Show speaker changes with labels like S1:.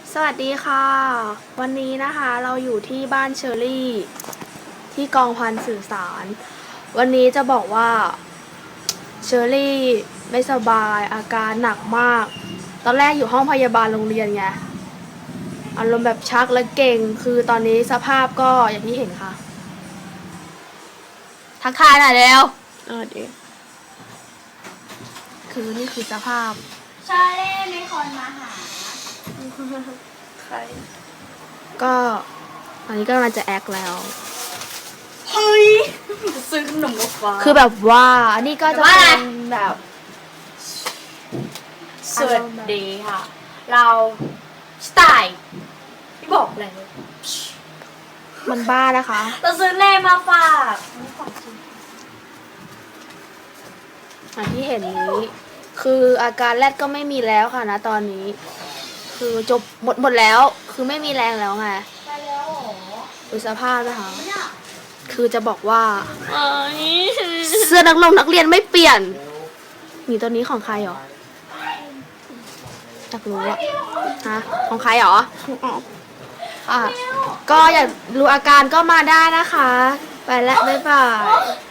S1: สวัสดีค่ะ วันนี้นะคะเราอยู่ที่บ้านเชอรี่ที่กองพันสื่อสารวันนี้จะบอกว่าเชอรี่ไม่สบายอาการหนักมากตอนแรกอยู่ห้องพยาบาลโรงเรียนไงอารมณ์แบบชักและเก่งคือตอนนี้สภาพก็อย่างที่เห็นค่ะ
S2: ทักทายหน่อยเร็ว
S1: ดีคือนี่คือสภาพ
S2: ชาเล่มีคนมาหา
S1: ใครก็ตอนนี้ก็กำลังจะแอคแล้ว
S2: เฮ้ยซื้อขนมกับฟ้า
S1: คือแบบว่านี่ก็จะเป็นแบบ
S2: สวัสดีค่ะ เราสไตล์พี่บอกเลย
S1: มันบ้านะคะ
S2: เราซื้อเล่มาฝาก
S1: อย่างที่เห็นนี้คืออาการแรดก็ไม่มีแล้วค่ะนะตอนนี้ คือจบหมดแล้วคือไม่มีแรงแล้วไง
S2: ไปแล้วเหรอ
S1: ดูสภาพนะคะคือจะบอกว่าเสื้อนักเรียนไม่เปลี่ยนนี่ตัวนี้ของใครหรออยากรู้อะฮะของใครหรอค่ะก็อยากรู้อาการก็มาได้นะคะไปแล้วบ๊ายบาย